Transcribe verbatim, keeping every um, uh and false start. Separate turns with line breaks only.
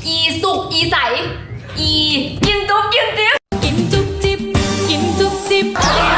อีสุกอีใสอีกินจุ๊บกินจิ๊บ
กินจุ๊บจิ๊บกินจุ๊บจิ๊บ